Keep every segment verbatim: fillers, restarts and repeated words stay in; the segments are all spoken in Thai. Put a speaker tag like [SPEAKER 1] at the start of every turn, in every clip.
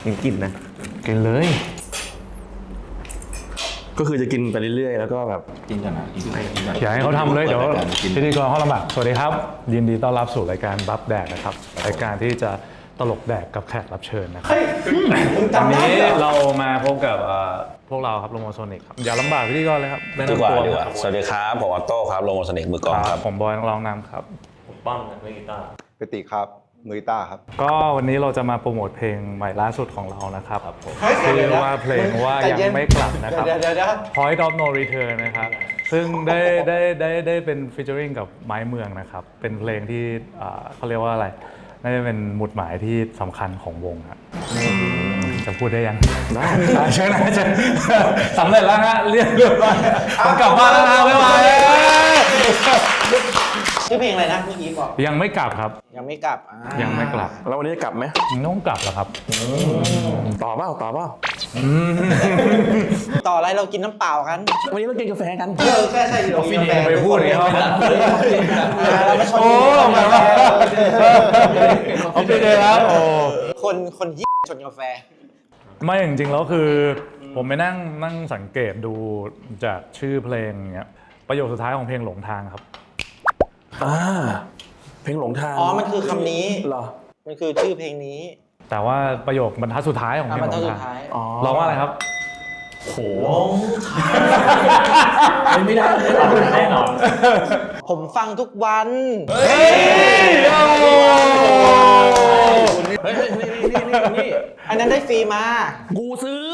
[SPEAKER 1] ยังกินนะกินเลยก็คือจะกินไปเรื่อยๆแล้วก็แบบ
[SPEAKER 2] กินกันนะกินกันกินกัน
[SPEAKER 3] อยากให้เขาทำเลยเดี๋ยวพิธีกรเขาลำบากสวัสดีครับยินดีต้อนรับสู่รายการบัฟแดกนะครับรายการที่จะตลกแดกกับแขกรับเชิญนะครับวันนี้เรามาพบกับพวกเราครับโลโมโซนิกครับอย่าลำบากพิธีกรเลยครับ
[SPEAKER 4] ดีกว่าดีกว่าสวัสดีครับผมออโต้ครับโลโมโซนิกมือกลองครับ
[SPEAKER 3] ผมบอยนักร้องนำครับ
[SPEAKER 1] ผมป้อมมือกีตาร์
[SPEAKER 5] ปติครับมือกีตาร์ครับ
[SPEAKER 3] ก็วันนี้เราจะมาโปรโมทเพลงใหม่ล่าสุดของเรานะครับชื่อว่าเพลงว่ายังไม่กลับนะครับ Point of No Return นะครับซึ่งได้ได้ได้ได้เป็นฟีเจอริ่งกับไม้เมืองนะครับเป็นเพลงที่เขาเรียกว่าอะไรน่าจะเป็นหมุดหมายที่สำคัญของวงครับจะพูดได้ยังได้เชิญนะเชิญสำเร็จแล้วฮะเรียกเรียบร้อยผมกลับบ้านแล้วนะบ๊ายบาย
[SPEAKER 6] ชื่อเพลงอะไรนะเมื่อกี้บอก
[SPEAKER 3] ยังไม่กลับครับ
[SPEAKER 6] ยังไม่กลับ
[SPEAKER 3] ยังไม่กลับ
[SPEAKER 1] แล้ววันนี้จะกลับไหม
[SPEAKER 3] ต้องกลับแล้วครับ
[SPEAKER 1] ต่อเปล่าต่อเปล่า
[SPEAKER 6] ต่ออะไรเรากินน้ำเปล่ากัน
[SPEAKER 1] วันนี้เรากินกาแฟกัน
[SPEAKER 6] เออแค่ใช่เรากินกาแฟ
[SPEAKER 3] ไปพูดอย่างนี้เขา
[SPEAKER 6] เราไม่ชอบ
[SPEAKER 3] โอ้มาว่าเขาไปเลยครับโอ้
[SPEAKER 6] คนคนยี่ชนกาแฟ
[SPEAKER 3] ไม่จริงๆแล้วคือผมไปนั่งนั่งสังเกตดูจากชื่อเพลงเงี้ยประโยคสุดท้ายของเพลงหลงทางครับ
[SPEAKER 1] อ่าเพลงหลงทาง
[SPEAKER 6] อ๋อมันคือคำนี้
[SPEAKER 1] เหรอ
[SPEAKER 6] มันคือชื่อเพลงนี้
[SPEAKER 3] แต่ว่าประโยคบรรทัดสุดท้ายของเพลงหลงทางร้องว่าอะไรครับ
[SPEAKER 1] โหไม่ได้แน่นอน
[SPEAKER 6] ผมฟังทุกวัน
[SPEAKER 1] เฮ้ยเฮ้ยนี่นี่นี่นี่
[SPEAKER 6] อันนั้นได้ฟรีมา
[SPEAKER 1] กูซื้อ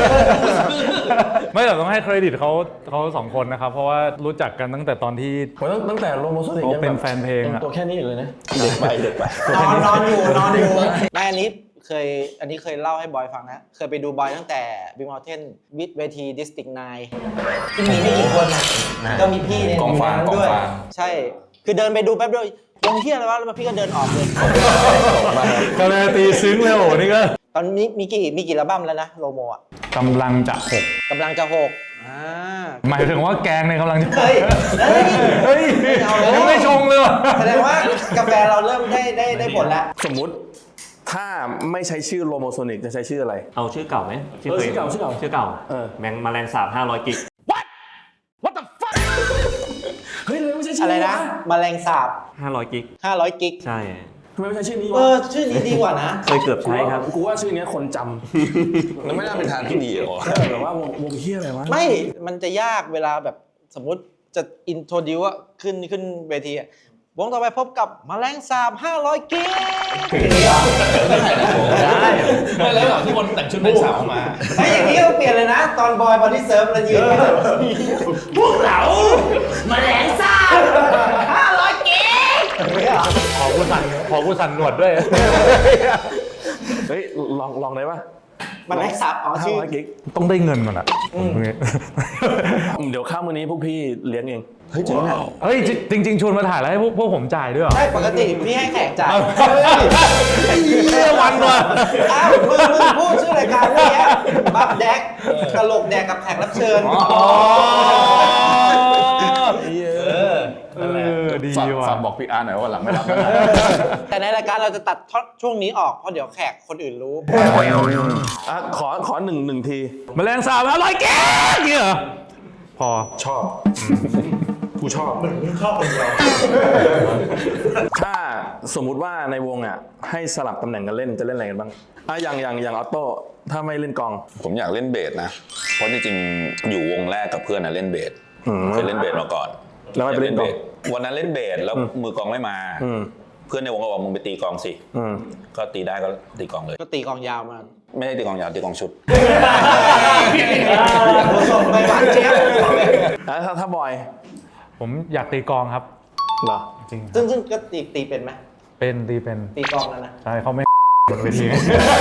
[SPEAKER 3] ไม่แต่ต้องให้เครดิตเขาเขาสองคนนะครับเพราะว่ารู้จักกันตั้งแต่ตอนที่
[SPEAKER 1] ตั้งแต่โลโมโซนิก
[SPEAKER 3] ยังเป็นแฟนเพลง
[SPEAKER 1] ตัวแค่นี้เลยนะเด็กไปเด็กไป
[SPEAKER 6] นอนนอนอยู่นอนอยู่ได้อันนี้เคยอันนี้เคยเล่าให้บอยฟังนะเคยไปดูบอยตั้งแต่บิ๊กเมลเทนวิดเวทีดิสติกไนน์ที่มีไม่กี่คนนะก็มีพี่ในนั้นด้วยใช่คือเดินไปดูแป๊บเดียววงเที่ยอะไรวะแล้วพี่ก็เดินออกเลย
[SPEAKER 3] ก็เลยตีซึ้งเลยโหนี่ก็
[SPEAKER 6] ตอนนี้มีกี่มีกี่อัลบั้มแล้วนะโลโมอ่ะ
[SPEAKER 3] กำลังจะหก
[SPEAKER 6] กำลังจะหกอ่า
[SPEAKER 3] หมายถึงว่าแกงในกำลังจะ
[SPEAKER 6] เฮ้ย
[SPEAKER 3] เฮ้ยยังไม่ชงเลยว่ะ
[SPEAKER 6] แสดงว่ากาแฟเราเริ่มได้ได้ได้ผลแล้ว
[SPEAKER 1] สมมุติถ้าไม่ใช้ชื่อโลโมโซนิกจะใช้ชื่ออะไร
[SPEAKER 2] เอาชื่อเก่าไหม
[SPEAKER 1] ชื่อเก่าชื่อเก่า
[SPEAKER 2] ชื่อเก่าแมงแมลงสาบห้าร้อยกิก
[SPEAKER 1] What What the fuck เฮ้ยทำไมไม่ใช่ชื่อ
[SPEAKER 6] อะไรนะแมลงสาบ
[SPEAKER 2] ห้าร้อยกิก
[SPEAKER 6] ห้าร้อยกิก
[SPEAKER 2] ใช่
[SPEAKER 1] ทำไมไม่ใช่ชื่อนี้วะ
[SPEAKER 6] เออชื่อนี้ดีกว่านะ
[SPEAKER 2] เคยเกือบใช้ครับ
[SPEAKER 1] กูว่าชื่อนี้คนจำแล้วไม่น่าเป็นทางที่ดีหรอแบบว่าวงวงเฮียอะไรวะ
[SPEAKER 6] ไม่มันจะยากเวลาแบบสมมุติจะอินโทรดิวอะขึ้นขึ้นเวทีอะวงต่อไปพบกับแมลงสาบห้าร้อยกิก
[SPEAKER 1] ได้ไม่แล้วหรอที่คนแต่งชุดแมลงสาบออกมา
[SPEAKER 6] ไอ้อย่างนี้ก็เปลี่ยนเลยนะตอนบอยบอดี้เซิร์ฟเรายืนพวกเราแมลงสาบห้าร้อยกิก
[SPEAKER 3] ขอกูสั่นขอกูสั่นหนวดด้วย
[SPEAKER 1] เฮ้ยลองลองได้ปะ
[SPEAKER 6] แมลงสาบอ๋อชื่อ
[SPEAKER 3] ต้องได้เงินก่อนอ่ะ
[SPEAKER 1] เดี๋ยวข้ามวันนี้พวกพี่เลี้ยงเอง
[SPEAKER 3] เฮ้ยจริงอ่ะเฮ้ยจริงๆชวนมาถ่ายแล้วให้พวกพวกผมจ่ายด้วยเหรอ
[SPEAKER 6] ใช่ปกติพี่ให้แขกจ่าย
[SPEAKER 3] เฮ้ยวันว่ะ
[SPEAKER 6] อ้าวมึงมึงพูดชื่อรายการเมื่อกี้บัฟแดกตลกแดกกับแขกรับเชิญ
[SPEAKER 3] อ๋อ
[SPEAKER 1] ดีว่ะฝากบอกพี่อาร์หน่อยว่าหลังไม่รับ
[SPEAKER 6] แต่ในรายการเราจะตัดช่วงนี้ออกเพราะเดี๋ยวแขกคนอื่นรู้
[SPEAKER 1] อ่ะขอขอหนึ่งหนึ่งที
[SPEAKER 3] แมลงสาบอร่อยแก่เนี่ยพอ
[SPEAKER 1] ชอบกูชอบมึงชอบคนเดียวถ้าสมมุติว่าในวงอ่ะให้สลับตำแหน่งกันเล่นจะเล่นอะไรกันบ้างอ่ะอย่างอย่างอย่างออโต้ถ้าไม่เล่นกอง
[SPEAKER 4] ผมอยากเล่นเบสนะเพราะจริงๆอยู่วงแรกกับเพื่อนนะเล่นเบสเคยเล่นเบสมาก่อน
[SPEAKER 1] แล้วไปเล่นเบส
[SPEAKER 4] วันนั้นเล่นเบสแล้วมือกองไม่มาเพื่อนในวงก็บอกมึงไปตีกองสิก็ตีได้ก็ตีกองเลย
[SPEAKER 6] ก็ตีกองยาวมา
[SPEAKER 4] ไม่ได้ตีกองยาวตีกองชุด
[SPEAKER 6] ส่งไปหวานเจี๊ยบ
[SPEAKER 1] แล้วถ้าบอย
[SPEAKER 3] ผมอยากตีกองครับ
[SPEAKER 1] เหรอ
[SPEAKER 3] จริง
[SPEAKER 6] ซึ่งซึ่งก็ตีตีเป็นไหม
[SPEAKER 3] เป็นตีเป็น
[SPEAKER 6] ตีกองแล้วนะ
[SPEAKER 3] ใช่เขาไม่บนเวที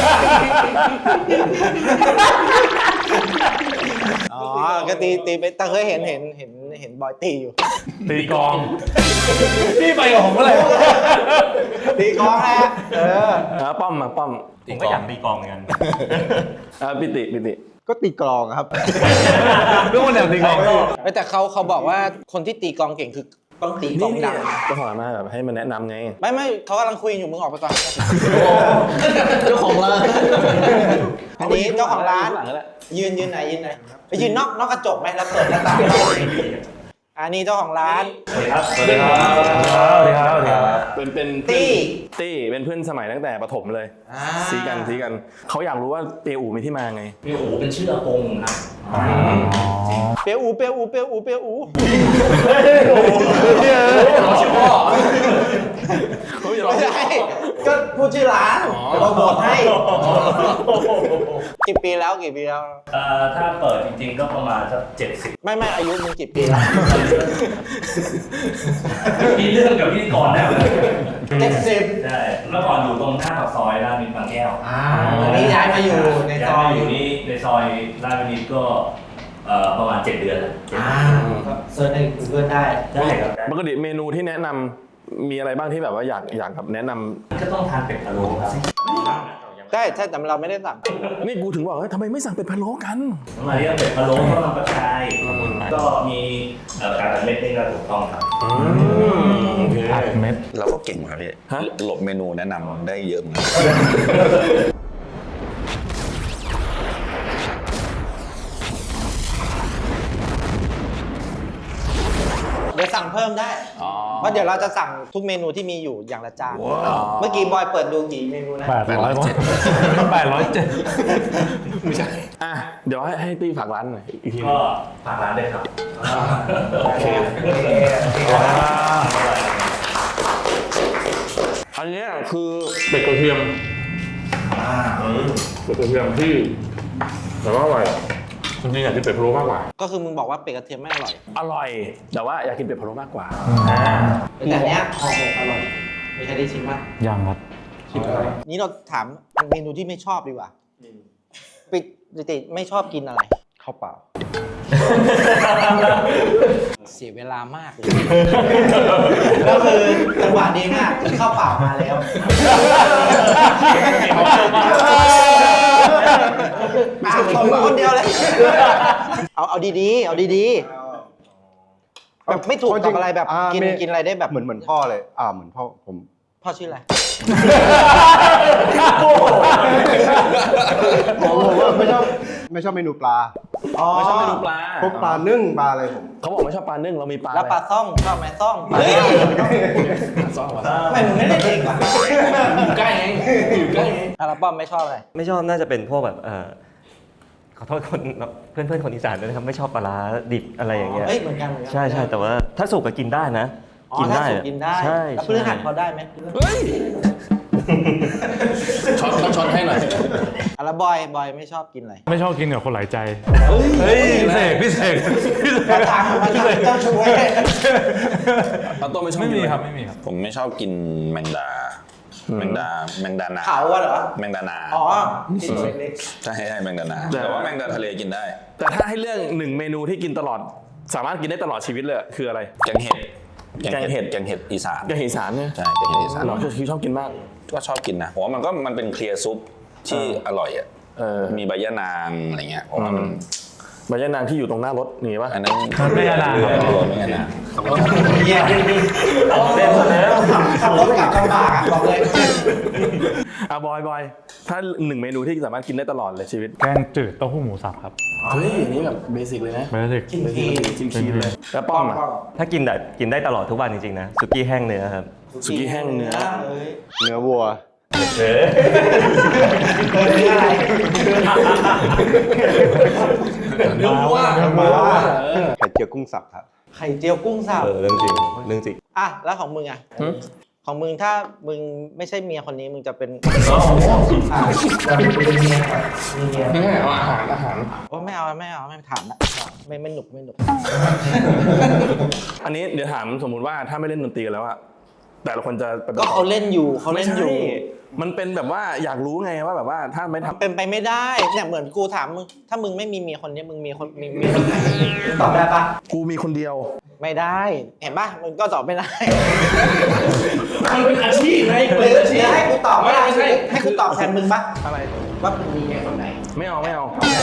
[SPEAKER 6] อ๋อก็ตีตีไปแต่เคยเห็นเห็นเห็นเห็นบอยตีอยู่
[SPEAKER 3] ตีกองพี่ไปกับผมเมื่อไหร่
[SPEAKER 6] ตีกองแหละเออ
[SPEAKER 1] ป้อมมาป้อม
[SPEAKER 2] ผมก็อยากตีกองเหมือนกัน
[SPEAKER 1] อ่าปิติปิติ
[SPEAKER 5] ก็ตีกลองครับ
[SPEAKER 3] ทุกคนอยากตีกอง
[SPEAKER 6] แต่เขาเขาบอกว่าคนที่ตีกองเก่งคือต้องตีกองดัง
[SPEAKER 1] ก็ขอมาแบบให้มันแนะนำไง
[SPEAKER 6] ไม่ไม่เขากำลังคุยอยู่มึงออกไปก่อน
[SPEAKER 2] เจ้าของเลย
[SPEAKER 6] อันนี้เจ้าของร้าน
[SPEAKER 1] หลังก็ได้
[SPEAKER 6] ยืนยืนไหนยืนไหนไปยืนนอกนอกกระจกไหมแล้วเปิดหน้าต่างอันนี้เจ้าของร้าน
[SPEAKER 2] สวัสดีครับ
[SPEAKER 1] สวัสดีครับ
[SPEAKER 3] สวัสดีครับสวัสดีครับ
[SPEAKER 1] เป็นเป็น
[SPEAKER 6] ตี้
[SPEAKER 1] ตี้เป็นเพื่อนสมัยตั้งแต่ประถมเลย
[SPEAKER 6] อ่า
[SPEAKER 1] ซีกันซีกันเขาอยากรู้ว่าเปียอูมีที่มาไง
[SPEAKER 2] พี่โอ๋เป็นชื่ออากงครับ
[SPEAKER 6] เปียวอูเปียวอูเปียวอูเปียวอู
[SPEAKER 2] เราชื่อพ่อ
[SPEAKER 6] ไม่ใช่ก็พูดชื่อร้านเราบอกให้กี่ปีแล้วกี่ปีแล้ว
[SPEAKER 2] เอ่อถ้าเปิดจริงๆก็ประมาณสักเจ็ดสิบ
[SPEAKER 6] ไม่ไม่อายุมึงกี่ปีแล้ว
[SPEAKER 2] มีเรื่องกับพี่ก่อนนะ
[SPEAKER 6] เจ็ดสิบ
[SPEAKER 2] ใช่เมื่อก่อนอยู่ตรงหน้าปากซอยราชวินิตบางแก้ว
[SPEAKER 6] ตอนนี้ย้ายมาอยู่ในซอย
[SPEAKER 2] ย้ายมาอยู่นี่ในซอยราชวินิตก็เอ่อประมาณเจ็ดเดือนแล้ว
[SPEAKER 6] อ่าก็เซิร์ชใน Google ได้
[SPEAKER 2] ได้ครับ
[SPEAKER 1] ปกติเมนูที่แนะนำมีอะไรบ้างที่แบบว่าอยากอยากแบบแนะนำ
[SPEAKER 2] ก็ต้องทานเป็ดพะโล้ครับ
[SPEAKER 6] ได้ใช่แต่เราไม่ได้สั่ง
[SPEAKER 1] นี่กูถึงบอกว่าทำไมไม่สั่งเป็ดพะโล้กัน
[SPEAKER 2] มาเรียกเป็ดพะโล้ข้าวมันกระชายก็มีเอ่อการตัดเม็ดนี่ก็ถูกต้องครับ
[SPEAKER 3] อัดเม็ด
[SPEAKER 4] เราก็เก่งครับพี่
[SPEAKER 1] ฮะ
[SPEAKER 4] หลบเมนูแนะนำได้เยอะเหมือนกัน
[SPEAKER 6] เดี๋ยวสั่งเพิ่มได้ เพราะเดี๋ยวเราจะสั่งทุกเมนูที่มีอยู่อย่างละจาน เมื่อกี้บอยเปิดดูกี่เมนูนะ
[SPEAKER 3] แปดร้อยแปดร้อยเจ็ด
[SPEAKER 1] ไม่ใช่อ่ะเดี๋ยวให้ให้ตี้ฝากร้านหน่อยอีกทีหนึ
[SPEAKER 2] ก็
[SPEAKER 1] ง
[SPEAKER 2] ฝากร้านด้วยครับ
[SPEAKER 1] โอเคอันเนี้ยคือเป็ดกระเทียมเป็ดกระเทียมที่แต่ว่าอร่อยจริงๆอยากกินเป็ดพะโล้มากกว่า
[SPEAKER 6] ก็คือมึงบอกว่าเป็ดกระเทียมไม่อร่อย
[SPEAKER 1] อร่อย แต่ว่าอยากกินเป็ดพะโล้มากกว่า
[SPEAKER 6] แต่อันเนี้ยห่อหมกอร่อยมีใครได้ชิมบ้าง
[SPEAKER 3] ยังครับ
[SPEAKER 6] นี้เราถามเมนูที่ไม่ชอบดีกว่าปิดปกติไม่ชอบกินอะไร
[SPEAKER 5] ข้าวเปล่า
[SPEAKER 6] เสียเวลามากเลย ก็คือจังหวะดีมากที่ข้าวเปล่ามาแล้วอ่ะผมมาคนเดียวเลย เอาเอาดีๆ เอาดีๆ แบบไม่ถูกกับอะไรแบบ
[SPEAKER 5] อ่า
[SPEAKER 6] กิน
[SPEAKER 5] ไม่
[SPEAKER 6] กินอะไรได้แบบ
[SPEAKER 5] เหมือนเหมือนพ่อเลย อ่าเหมือนพ่อผม
[SPEAKER 6] พ่อชื่ออะไร
[SPEAKER 5] ผมผมว่าไม่ชอบไม่ชอบเมนูปลา
[SPEAKER 6] อ๋อ
[SPEAKER 1] ไม่ชอบเมนูปลา
[SPEAKER 5] พวกปลานึ่งปลาอะไรผม
[SPEAKER 1] เขาบอกไม่ชอบปลานึ่งเรามีปลา
[SPEAKER 6] แล้วปลา
[SPEAKER 1] อะไร
[SPEAKER 6] ซ่องชอบไหมซ่อง
[SPEAKER 1] เฮ้ย
[SPEAKER 6] ซ่องไม่มึงไม่ได้เด็กว่ะ
[SPEAKER 1] อยู่ใกล้ไงอยู่ใกล้ไง
[SPEAKER 6] อ่ะแล้วป้อมไม่ชอบอะไร
[SPEAKER 7] ไม่ชอบน่าจะเป็นพวกแบบเออขอโทษคนเพื่อนเพื่อนๆคนอีสานด้วยนะครับไม่ชอบปลาร้าดิบอะไรอย่างเงี้ย
[SPEAKER 6] เฮ้ยเหมือนกันเหมือนกั
[SPEAKER 7] ใช่ใช่แต่ว่าถ้าสุกก็กินได้นะ
[SPEAKER 6] อ๋อ
[SPEAKER 7] กิน
[SPEAKER 6] ถ้า
[SPEAKER 7] ได้
[SPEAKER 6] สุกกินได้
[SPEAKER 7] ใช่
[SPEAKER 6] แล้วพ
[SPEAKER 7] ใช่
[SPEAKER 6] ฤหัสพอได้ไหม
[SPEAKER 1] เฮ้ยช็อตต้องช็อตให้หน่อย
[SPEAKER 6] อ่ะแล้วบอยบอยไม่ชอบกินอะไร
[SPEAKER 3] ไม่ชอบกินกับคนหลายใจ เฮ้ยพี่เสกพี่เสกพี่เส
[SPEAKER 6] มาก ทางมาทางเจ้าชู้เว้ย
[SPEAKER 1] เอาต้มไม่ชอบ
[SPEAKER 3] ไม่
[SPEAKER 1] กิน
[SPEAKER 3] มี
[SPEAKER 1] อะ
[SPEAKER 3] ครับไม่มีครับ
[SPEAKER 4] ผมไม่ชอบกินแมงดา แมงดา แมงดานา
[SPEAKER 6] เขาอะเหรอ
[SPEAKER 4] แมงดานา
[SPEAKER 6] อ๋อที่ตัวเล็ก
[SPEAKER 4] ใช่ใช่แมงดานา แต่ว่าแมงดาทะเลกินได้
[SPEAKER 1] แต่ถ้าให้เรื่องหนึ่งเมนูที่กินตลอด สามารถกินได้ตลอดชีวิตเลยคืออะไร
[SPEAKER 4] แกงเห็ด
[SPEAKER 1] แกงเห็ด
[SPEAKER 4] แกงเห็ดอีสาน
[SPEAKER 1] แกงเห็ดอีสานเนี่ย
[SPEAKER 4] ใช่แกงเห็ดอีสาน
[SPEAKER 1] เราคือชอบกินมาก
[SPEAKER 4] ก็ชอบกินนะผมว่ามันก็มันเป็นเคลียร์ซุปที่อร่อยอ่ะ
[SPEAKER 1] เออ
[SPEAKER 4] มีใบยะนางอะไรเงี้ยผมว่ามัน
[SPEAKER 1] ใบยะนางที่อยู่ตรงหน้ารถนี่ปะ
[SPEAKER 4] อันนั้น
[SPEAKER 3] ไม่ยะนางครับ
[SPEAKER 4] ไม่ยะนาง
[SPEAKER 6] ๆเยี่ยมเล่นมาแล้วขับรถกลับลำบากอะบอกเลย
[SPEAKER 1] อ่ะบอยบอยถ้าหนึ่งเมนูที่สามารถกินได้ตลอดเลยชีวิต
[SPEAKER 3] แกงจืดเต้าหู้หมูสับครับ
[SPEAKER 1] เฮ้ยอันนี้แบบเบสิกเลยนะ
[SPEAKER 3] เบสิก
[SPEAKER 6] กินฟรี
[SPEAKER 1] จิ้มชีสเลยแล้วป้อมอ่ะ
[SPEAKER 7] ถ้ากินได้กินได้ตลอดทุกวันจริงๆนะสุกี้แห้งเนื้อครับ
[SPEAKER 1] สุกี้แห้งเนื้อ
[SPEAKER 6] เอ้ย
[SPEAKER 5] เนื้อวัว
[SPEAKER 6] เนื้ออะไร
[SPEAKER 1] เนื้อวัว
[SPEAKER 5] ไข่เจียวกุ้งสับครับ
[SPEAKER 6] ไข่เจียวกุ้งสับ
[SPEAKER 7] เออเรื่องจริงเรื่องจริง
[SPEAKER 6] อ่ะแล้วของมึงอ่ะของมึงถ้ามึงไม่ใช่เมียคนนี้มึงจะเป็นอ่ะจะเป็นเมียมีเมีย
[SPEAKER 1] ไม่ให้เอาอาหารอาหาร
[SPEAKER 6] โอ้ไม่เอาไม่เอาไม่ถามละไม่ไม่หนุกไม่หนุก
[SPEAKER 1] อันนี้เดี๋ยวถามสมมุติว่าถ้าไม่เล่นดนตรีแล้วอะแต่ละคนจะปฏิบั
[SPEAKER 6] ก็
[SPEAKER 1] ติ
[SPEAKER 6] เขาเล่นอยู่เขา
[SPEAKER 1] ไม่
[SPEAKER 6] เล่น
[SPEAKER 1] ใช่
[SPEAKER 6] อยู่
[SPEAKER 1] มันเป็นแบบว่าอยากรู้ไงว่าแบบว่าถ้าไม่ทำ
[SPEAKER 6] เป็นไปไม่ได้เนี่ยเหมือนกูถามมึงถ้ามึงไม่มีเมียคนนี้มึงมีคนมีมีคนไหนมึงตอบได้ปะ
[SPEAKER 1] กูมีคนเดียว
[SPEAKER 6] ไม่ได้เห็นปะมึงก็ตอบไม่ได้
[SPEAKER 2] มันเป็นอาชีพไง
[SPEAKER 6] หรือให้กูตอบไม่ได้ให้กูตอบแทนมึงปะ
[SPEAKER 1] อะไร
[SPEAKER 6] ว่ามึงมีไงคนไหน
[SPEAKER 1] ไม่เอาไม่เอา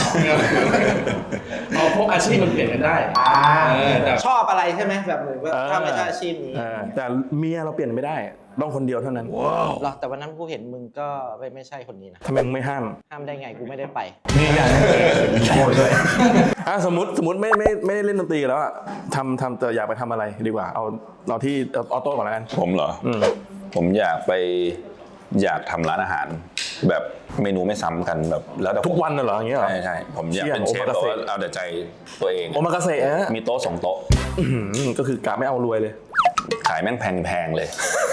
[SPEAKER 2] เอาพวกอาชีพมันเปลี่ยนกันได้
[SPEAKER 6] อ่า
[SPEAKER 2] เออแต่
[SPEAKER 6] ชอบอะไรใช่ไหมแบบเหมือนว่า
[SPEAKER 1] เออ
[SPEAKER 6] ถ้าไม่ใช่อาชีพนี้
[SPEAKER 1] เออแต่เมียเราเปลี่ยนไม่ได้ ต้องคนเดียวเท่านั้น
[SPEAKER 6] หรอแต่วันนั้นกูเห็นมึงก็ไม่ไม่ใช่คนนี้นะ
[SPEAKER 1] ทำไมมึงไม่ห้าม
[SPEAKER 6] ห้ามได้ไงกูไม่ได้ไป
[SPEAKER 3] นี่อย่างโอ้ยด้วย
[SPEAKER 1] อ่ะสมมติสมมติไม่ไม่ไม่ได้เล่นดนตรีแล้วอะทำทำแต่อยากไปทำอะไรดีกว่า เอาเราที่เอาออโต้ก่อนแล้วกัน
[SPEAKER 4] ผมเหรอ
[SPEAKER 1] อืม
[SPEAKER 4] ผมอยากไปอยากทำร้านอาหาร แบบเมนูไม่ซ้ำกันแบบแล้วแต่ผม
[SPEAKER 1] ทุกวันน่ะเหรออย่างเงี้ยเหรอ
[SPEAKER 4] ใช่ใช่ผมอยาก
[SPEAKER 1] เชี่ย
[SPEAKER 4] เป็นเชฟ
[SPEAKER 1] โอมากา
[SPEAKER 4] แต่
[SPEAKER 1] เสะ
[SPEAKER 4] ว่าเอาแต่ใจตัวเอง
[SPEAKER 1] โอมากาเสะฮะ
[SPEAKER 4] มีโต๊ะสองโต๊ะ
[SPEAKER 1] อื้อหือก็คือกะไม่เอารวยเลย
[SPEAKER 4] ขายแม่งแพงๆเลย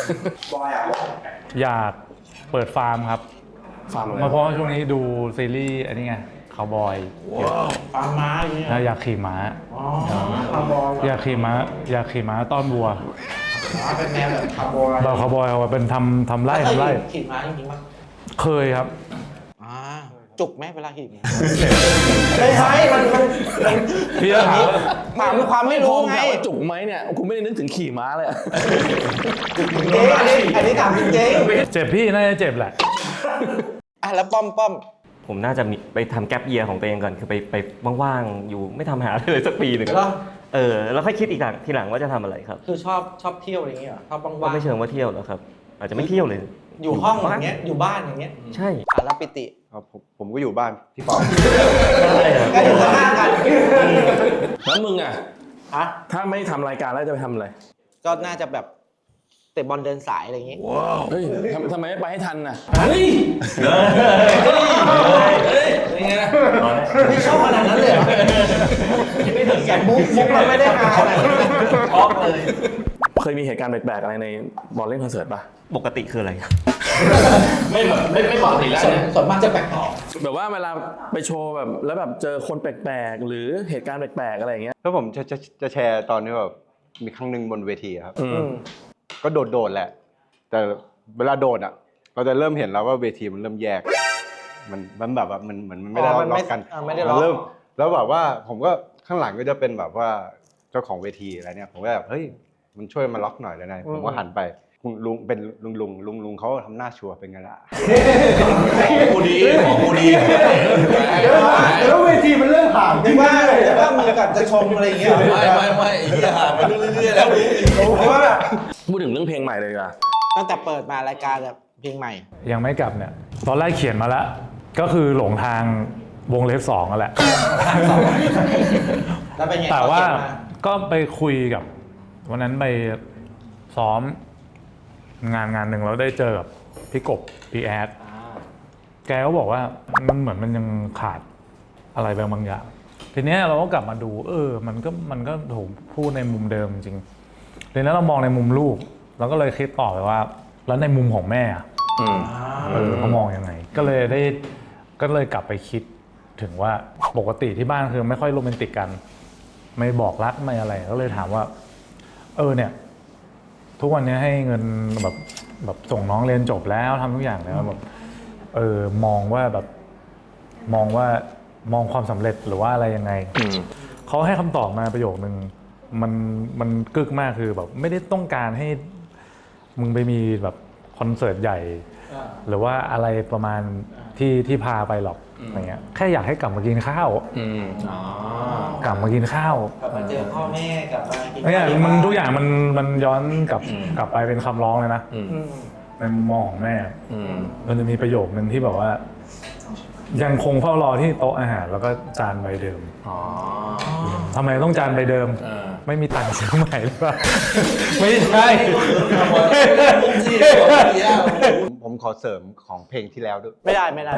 [SPEAKER 3] อยากเปิดฟาร์มครับ
[SPEAKER 1] ฟาร์มอะไร
[SPEAKER 3] มาเพราะว่าช่วงนี้ดูซีรีส์อันนี้ไงคาวบอย
[SPEAKER 6] ฟาร์มม้าอย่างเงี้ย
[SPEAKER 3] แล้วอยากขี่ม้า
[SPEAKER 6] อ๋อคาร์บอย
[SPEAKER 3] อยากขี่ม้าอยากขี่ม้าต้อนวัว
[SPEAKER 6] ม้าเป็นแนวแบบคาร์บอย
[SPEAKER 3] แบบคาวบอยเอาไว้เป็นทำทำไร่ทำไร่
[SPEAKER 6] ขี่ม้าจริงๆมั้ย
[SPEAKER 3] เคยครับ
[SPEAKER 6] อ่าจุกไหมเวลาขี่ม้าไม่ใช่มันมันมัน
[SPEAKER 3] พี่จะถามว่า
[SPEAKER 6] ถามความไม่รู้ไง
[SPEAKER 1] ถามว่าจุกไหมเนี่ยกูไม่ได้นึกถึงขี่ม้าเลยอะ
[SPEAKER 6] จริงอันนี้อันนี้ถามจริง
[SPEAKER 3] เจ็บพี่น่าจะเจ็บแหละ
[SPEAKER 6] ๆอ่ะแล้วป้อมป้อม
[SPEAKER 7] ผมน่าจะมีไปทำแกปเยียร์ของตัวเองก่อนคือไปไปว่างๆอยู่ไม่ทำหาอะไรเลยสักปีหนึ่ง
[SPEAKER 6] แล้ว
[SPEAKER 7] เออแล้วค่อยคิดอีกหลังทีหลังว่าจะทำอะไรครับ
[SPEAKER 6] คือชอบชอบเที่ยวอะไรอย่างเงี้ยเหรอชอบ
[SPEAKER 7] ก็
[SPEAKER 6] ว่าง
[SPEAKER 7] ไม่เชิงว่าเที่ยวหรอกครับ อาจจะไม่เที่ยวเลย
[SPEAKER 6] ๆอยู่ห้องอย่างเงี้ยอยู่บ้านอย่างเงี้ย
[SPEAKER 7] ใช่
[SPEAKER 6] อ่ะแล้วปิติ
[SPEAKER 5] ครับผมผมก็อยู่บ้านพี่ปอ
[SPEAKER 6] ก็อยู่ข้างๆกัน
[SPEAKER 1] แล้วมึงอะ
[SPEAKER 6] ฮะ
[SPEAKER 1] ถ้าไม่ทำรายการแล้วจะไปทำอะไร
[SPEAKER 6] ก็น่าจะแบบเตะบอลเดินสายอะไรอย่างงี้
[SPEAKER 1] เฮ้ยทำทำไมไม่ไปให้ทันน่ะ
[SPEAKER 2] เฮ้ยเฮ้ยยังไงนะ
[SPEAKER 6] ไม่ชอบขนาดนั้นเลยเหรอไม่ถึงอย่างมุกมุกมันไม่ได้หาขนาดนั้น
[SPEAKER 2] ชอบเลย
[SPEAKER 1] เคยมีเหตุการณ์แปลกๆอะไรในบอลเล่นคอนเสิร์ตปะ
[SPEAKER 7] ปกติคืออะไรครับ
[SPEAKER 2] ไม่แบบไม่ไม่ปกติแล้ว
[SPEAKER 6] ส่วน
[SPEAKER 2] เนี่ย
[SPEAKER 6] ส่วนมากจะแปลกต่อ
[SPEAKER 1] แบบว่าเวลาไปโชว์แบบแล้วแบบเจอคนแปลกๆหรือเหตุการณ์แปลกๆอะไรอย่างเงี้ย
[SPEAKER 5] แล้วผมจะจะจะแชร์ตอนที่แบบมีครั้งหนึ่งบนเวทีครับ
[SPEAKER 1] อืม
[SPEAKER 5] ก็โดดโดดๆแหละ แต่เวลาโดดอ่ะ เราจะเริ่มเห็นแล้วว่าเวทีมันเริ่มแยก มันมันแบบว่ามันเหมือนมันไม่ได้
[SPEAKER 6] อ๋อมัน
[SPEAKER 5] ล็
[SPEAKER 6] ไม่
[SPEAKER 5] อกกัน
[SPEAKER 6] อ่าไม่ได้ล็
[SPEAKER 5] มั
[SPEAKER 6] อก
[SPEAKER 5] นเริ่มแล้วแบบว่าผมก็ข้างหลังก็จะเป็นแบบว่าเจ้าของเวทีอะไรเนี่ยผมก็แบบเฮ้ยมันช่วยมาล็อกหน่อยได้ไหมผมก็หันไปคุณลุงเป็นลุงลุงลุงลุงเขาทำหน้าชัวร์เป็นไงล่ะ
[SPEAKER 2] กูดีของกูดี
[SPEAKER 5] แล้วเวทีมันเริ่มห่าง
[SPEAKER 6] ไม่ว่าแต่ว่ามีกับจะชมอะไรอย่างเงี้ย
[SPEAKER 2] ไม่ไม่ไม่ไอ้เหี้ยห่างไปเรื่อยๆแล้ว
[SPEAKER 6] เพราะว่าแบบ
[SPEAKER 1] พูดถึงเรื่องเพลงใหม่เลยดีกว่า
[SPEAKER 6] ตั้งแต่เปิดมารายการแบบเพลงใหม่
[SPEAKER 3] ยังไม่กลับเนี่ย ตอนแรกเขียนมาแล้ว ก็คือหลงทางวงเล็บสองนั่นแหละ
[SPEAKER 6] แล้วเป็นไง
[SPEAKER 3] แต่ว่า
[SPEAKER 6] เขียนม
[SPEAKER 3] ก็ไปคุยกับ วันนั้นไปซ้อมงานงานหนึ่งแล้วได้เจอกับพี่กบพี่แอด
[SPEAKER 6] อ่า
[SPEAKER 3] แกก็บอกว่ามันเหมือนมันยังขาดอะไรบางบางอย่าง ทีเนี้ยเราก็กลับมาดู เออ มันก็มันก็ถูกพูดในมุมเดิมจริงทีนี้เรามองในมุมลูกเราก็เลยคิดต่อไปว่า แล้วในมุมของแม่อะ
[SPEAKER 1] อืม
[SPEAKER 3] เออเขามองยังไง ก็เลยได้ก็เลยกลับไปคิดถึงว่าปกติที่บ้านคือไม่ค่อยโรแมนติกกัน ไม่บอกรักไม่อะไร ก็เลยถามว่า เออเนี่ย ทุกวันนี้ให้เงินแบบแบบส่งน้องเรียนจบแล้วทำทุกอย่างแล้วแบบเออมองว่าแบบมองว่ามองความสำเร็จหรือว่าอะไรยังไง
[SPEAKER 1] อืม
[SPEAKER 3] เขาให้คำตอบมาประโยคนึงมันมันกึกมากคือแบบไม่ได้ต้องการให้มึงไปมีแบบคอนเสิร์ตใหญ่ หรือว่าอะไรประมาณที่ที่พาไปหรอกอะไรเงี้ยแค่อยากให้กลับมากินข้าว
[SPEAKER 1] อืม
[SPEAKER 6] อ๋อก
[SPEAKER 3] ลับมากินข้าว
[SPEAKER 6] กลับมาเจอพ่อแม่กลับมากิน
[SPEAKER 3] เนี่ย
[SPEAKER 6] ข้าว
[SPEAKER 3] มันทุกอย่างมันมันย้อนกลับกลับไปเป็นคำร้องเลยนะ
[SPEAKER 1] อืม
[SPEAKER 6] อืม
[SPEAKER 3] ในมุมมองของแม่
[SPEAKER 1] อืม
[SPEAKER 3] มันจะมีประโยคนึงที่แบบว่า ยังคงเฝ้ารอที่โต๊ะอาหารแล้วก็จานใบเดิม
[SPEAKER 1] อ๋อ
[SPEAKER 3] ทำไมต้องจานใบเดิม
[SPEAKER 1] เออ
[SPEAKER 3] ไม่มีตังค์ซื้อใหม่หรือเปล่า ไม่ใช่
[SPEAKER 5] ผมผมขอเสริมของเพลงที่แล้วด้วย
[SPEAKER 6] ไม่ได้ไม่ได้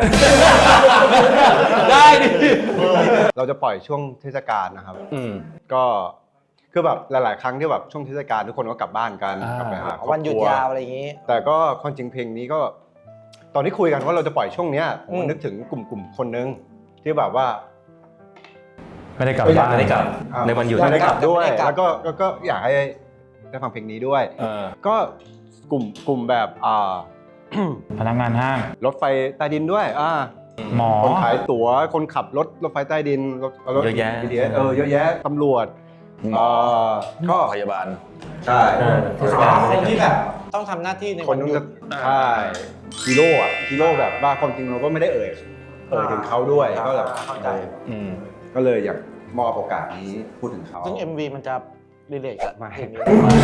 [SPEAKER 3] ได้ดิ
[SPEAKER 5] เราจะปล่อยช่วงเทศกาลนะครับ
[SPEAKER 1] อืม
[SPEAKER 5] ก็คือแบบหลาย ๆ ครั้งที่แบบช่วงเทศกาลทุกคนก็กลับบ้านกัน
[SPEAKER 3] อ่าก
[SPEAKER 5] กลับไปหาครอบครัว
[SPEAKER 6] วันหยุดยาวอะไรอย่างงี้
[SPEAKER 5] แต่ก็ความจริงเพลงนี้ก็ ตอนที่คุยกันว่าเราจะปล่อยช่วงเนี้ยผม
[SPEAKER 6] อื
[SPEAKER 5] ก็
[SPEAKER 6] ม
[SPEAKER 5] นึกถึงกลุ่มกลุ่มคนนึงที่แบบว่า
[SPEAKER 3] ไม่ได้กลับ
[SPEAKER 5] ก็อยาก
[SPEAKER 3] บ้าน
[SPEAKER 7] ไม่ได้กลับ
[SPEAKER 5] อ่า
[SPEAKER 7] ในวันหยุด
[SPEAKER 5] ไม่ได้กลับด้วย
[SPEAKER 6] ไม่ได้กลับ
[SPEAKER 5] แล้วก็ก็ก็อยากให้ได้ฟังเพลงนี้ด้วย
[SPEAKER 1] เออ
[SPEAKER 5] ก็กลุ่มกลุ่มแบบอ่า
[SPEAKER 3] พนักงานห้าง
[SPEAKER 5] รถไฟใต้ดินด้วยอ่า
[SPEAKER 3] หมอ
[SPEAKER 5] คนขายตั๋วคนขับรถรถไฟใต้ดินรถรถ
[SPEAKER 7] เยอะแยะ
[SPEAKER 5] บี ที เอส เออเยอะแยะตำรวจเอ่อก็
[SPEAKER 4] พยาบาล
[SPEAKER 5] ใช่
[SPEAKER 6] คนที่แบบต้องทำหน้าที่ใน
[SPEAKER 5] ค
[SPEAKER 6] วัน น
[SPEAKER 5] ต้อง
[SPEAKER 6] หยุ
[SPEAKER 5] จะ
[SPEAKER 6] ด
[SPEAKER 5] ใช่ฮีโร่อะฮีโร่แบบว่าความจริงเราก็ไม่ได้เอ่ยเเอ่ยถึงเขาด้วยก็แบบ
[SPEAKER 6] เข้าใจ
[SPEAKER 1] อืม
[SPEAKER 5] ก็เลยอยากมอบโอกาสนี้พูดถึงเขา
[SPEAKER 6] ซึ่ง เอ็ม วี มันจะรีเลทกับ
[SPEAKER 5] ไม่
[SPEAKER 6] เพลงนี้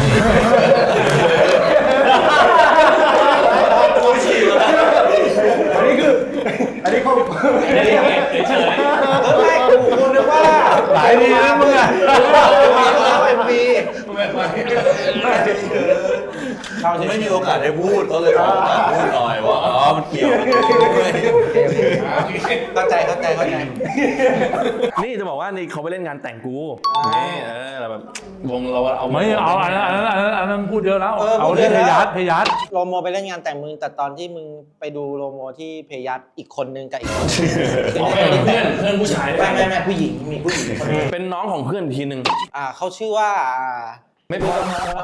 [SPEAKER 5] อันนี้คืออันนี้เขา
[SPEAKER 2] เฉย
[SPEAKER 6] ก็ไม่กูกูนึกว่า
[SPEAKER 5] หลายดีนะมึงอ่ะ
[SPEAKER 6] เอ็มวี
[SPEAKER 4] เราไม่มีโอกาสได้พูดก็เลยขอโอกาสพูดหน่อยว่าอ๋อมันเกี่ยวด้วย
[SPEAKER 6] เข้าใจเข้าใจเข้าใจ
[SPEAKER 1] นี่จะบอกว่านี่เขาไปเล่นงานแต่งกูนี่เออแบบวงเราเอา
[SPEAKER 3] ไม่เอาอันนั้นอันนั้นอันนั้นอันนั้นพูดเยอะแล้ว
[SPEAKER 6] เออ
[SPEAKER 3] เอา
[SPEAKER 6] พูดเย
[SPEAKER 3] ที่
[SPEAKER 6] อะ
[SPEAKER 3] เพ
[SPEAKER 6] แล้ว
[SPEAKER 3] ยัสเพยัส
[SPEAKER 6] โลโมไปเล่นงานแต่งมึงแต่ตอนที่มึงไปดูโลโมที่เพยัสอีกคนนึงกับอีกคนนึง
[SPEAKER 1] เพื่อนเพื่อนผู้ชาย
[SPEAKER 6] ไม่ไม่ไม่ผู้หญิงมีผู้หญิงคนนึง
[SPEAKER 1] เป็นน้องของเพื่อนอีกทีหนึ่ง
[SPEAKER 6] อ่าเขาชื่อว่าอ่า
[SPEAKER 1] ไม่พอ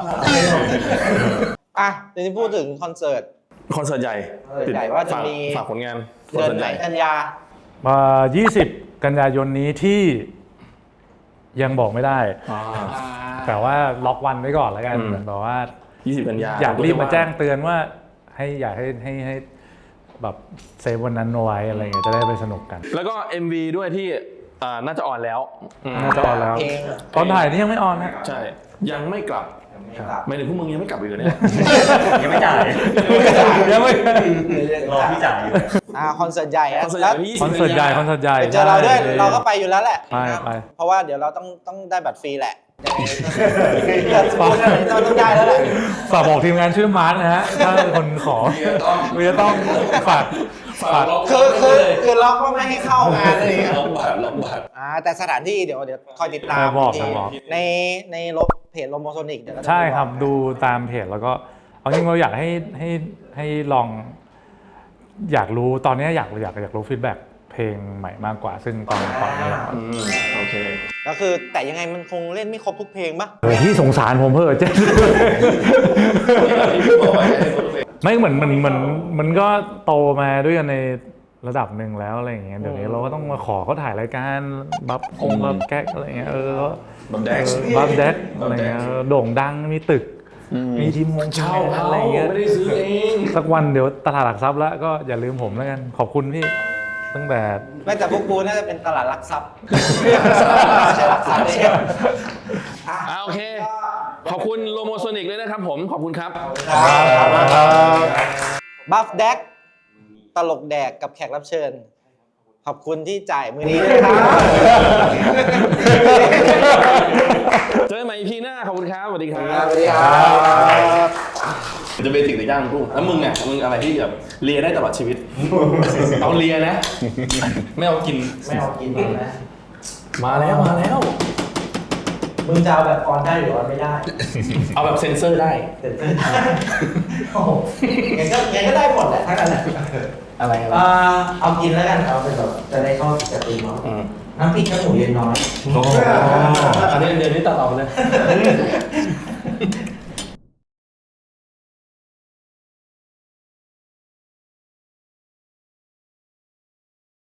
[SPEAKER 6] อ่ะเดี๋ยวนี้พูดถึงคอนเสิร์ต
[SPEAKER 1] คอนเสิร์ตใหญ่
[SPEAKER 6] คอนเสิร์ตใหญ่ว่าจะมี
[SPEAKER 1] ฝากผลงานคอน
[SPEAKER 6] เดือน
[SPEAKER 1] เสิร์ต
[SPEAKER 6] ไห
[SPEAKER 1] ให
[SPEAKER 6] น
[SPEAKER 1] ญ่
[SPEAKER 6] กันยา
[SPEAKER 3] มายี่สิบกันยายนนี้ที่ยังบอกไม่ได้ แต่ว่าล็อกวันไว้ก่อนแล้วกัน
[SPEAKER 1] อืม
[SPEAKER 3] เหมือนแบบว่า
[SPEAKER 1] ยี่สิบกันยา
[SPEAKER 3] อยากรีบมาแจ้งเตือนว่าให้อยากให้ให้ให้แบบเซฟวันนั้นเอาไว้อะไรเงี้ยจะได้ไปสนุกกัน
[SPEAKER 1] แล้วก็ เอ็ม วี ด้วยที่อ่าน่าจะออนแล้วอืม
[SPEAKER 3] น่าจะออนแล้ว
[SPEAKER 6] เพลง
[SPEAKER 3] ตอนถ่ายนี่ยังไม่ออนนะ
[SPEAKER 1] ใช่ ยังไม่กลับ
[SPEAKER 6] ครับ
[SPEAKER 1] ไม่ถึงพวกมึงยังไม่กลับอีกเหรอเนี่ย
[SPEAKER 7] ยังไม่จ่าย
[SPEAKER 3] ยังไม่
[SPEAKER 7] รอพี่จ่ายอยู่
[SPEAKER 6] อ่าคอนเสิร์ตใหญ่อะ
[SPEAKER 1] คอนเสิร์ต
[SPEAKER 6] แล้ว
[SPEAKER 1] ใหญ่ที่
[SPEAKER 3] คอนเสิร์ตใหญ่คอนเสิร์ตใหญ่
[SPEAKER 6] ไปเจอเราด้วย
[SPEAKER 3] ใช่
[SPEAKER 6] เราก็ไปอยู่แล้วแหละ
[SPEAKER 3] ไปไป
[SPEAKER 6] เพราะว่าเดี๋ยวเราต้องต้องได้บัตรฟรีแหละยังไงก็พูดอะไรเราต้องได้แล้วแหละ
[SPEAKER 3] ฝากบอกทีมงานชื่อมาร์คนะฮะถ้าเป็นคนขอมีจะต้องฝากฝาก
[SPEAKER 6] คือคือคือล็อกว่าไม่ให้เข้างานอะไรอย่างเงี้ย
[SPEAKER 4] ล็อกบาทล็อกบาท
[SPEAKER 6] อ่าแต่สถานที่เดี๋ยวเดี๋ยวคอยติดตาม
[SPEAKER 3] เออบอก
[SPEAKER 6] ที
[SPEAKER 3] บอก
[SPEAKER 6] ในในลบเพจโลโมโซนิกเดี๋ยวก็จะ
[SPEAKER 3] ใช่ครับดูตามเพจแล้วก็เอาจริงเราอยากให้ให้ให้ลอง อยากรู้ตอนนี้อยากอยากอยากรู้ฟีดแบ็กเพลงใหม่มากกว่า ซึ่งตอนตอนนี้
[SPEAKER 1] อืมโอเค
[SPEAKER 6] ก็คือแต่ยังไงมันคงเล่นไม่ครบทุกเพลงปะ
[SPEAKER 3] โอ้พี่สงสารผมเพ้อเจ๊ไม่เหมือนมันมันมันก็โตมาด้วยกันในระดับหนึ่งแล้วอะไรอย่างเงี้ยเดี๋ยวนี้เราก็ต้องมาขอเขาถ่ายรายการบัฟคงบัฟแก๊กอะไรเงี้ยเออ
[SPEAKER 1] บัฟแดก
[SPEAKER 3] บัฟแดกอะไรเงี้ยโด่งดังมีตึก มีทีมวง
[SPEAKER 1] เช่า
[SPEAKER 3] ทีมงาน
[SPEAKER 1] เขา
[SPEAKER 3] อะไรเงี้ย
[SPEAKER 1] ไม่ได้ซื้อเอง
[SPEAKER 3] สักวันเดี๋ยวตลาดหลักทรัพย์แล้วก็อย่าลืมผมแล้วกันขอบคุณพี่ตั้งแต่
[SPEAKER 6] ไม่แต่พวกกูน่าจะเป็นตลาดหลักทรัพย์ไม่ใช่หลักทรัพย์เนี่ย
[SPEAKER 1] อ่าโอเค ขอบคุณโลโมโซนิกด้วยนะครับผม ขอบคุณครับ
[SPEAKER 6] บัฟแดกตลกแดกกับแขกรับเชิญ ขอบคุณที่จ่ายมือนี้นะครับ
[SPEAKER 1] เจอกันใหม่ อี พี หน้า ขอบคุณครับ สวัสดีครับ
[SPEAKER 6] สวัสดีครับ
[SPEAKER 1] จะเบสิกแต่ย่างกุ้งแล้วมึงอ่ะ มึงอะไรที่แบบเลียได้ตลอดชีวิต เอาเลียนะ ไม่เอากิน
[SPEAKER 6] ไม่เอากินนะ
[SPEAKER 1] มาแล้ว มาแล้ว
[SPEAKER 6] มึงจะเอาแบบออนได้หรือออนไม่ได้
[SPEAKER 1] เอาแบบเซ็นเซอร์ได้
[SPEAKER 6] เดี๋ยวโอ้โหงั้นก็งั้นก็ได้หมดแหละทั้งนั้นแหละ
[SPEAKER 1] อะไรอะไร
[SPEAKER 6] อ่าเอากินแล้วกันเอาเป็นแบบจะได้เข้ากับตีมเนาะ
[SPEAKER 1] อืม
[SPEAKER 6] น้ำพริกข้าวหมูเย็นน้อย
[SPEAKER 1] อันนี้เดือนนี้ตัดออกเลย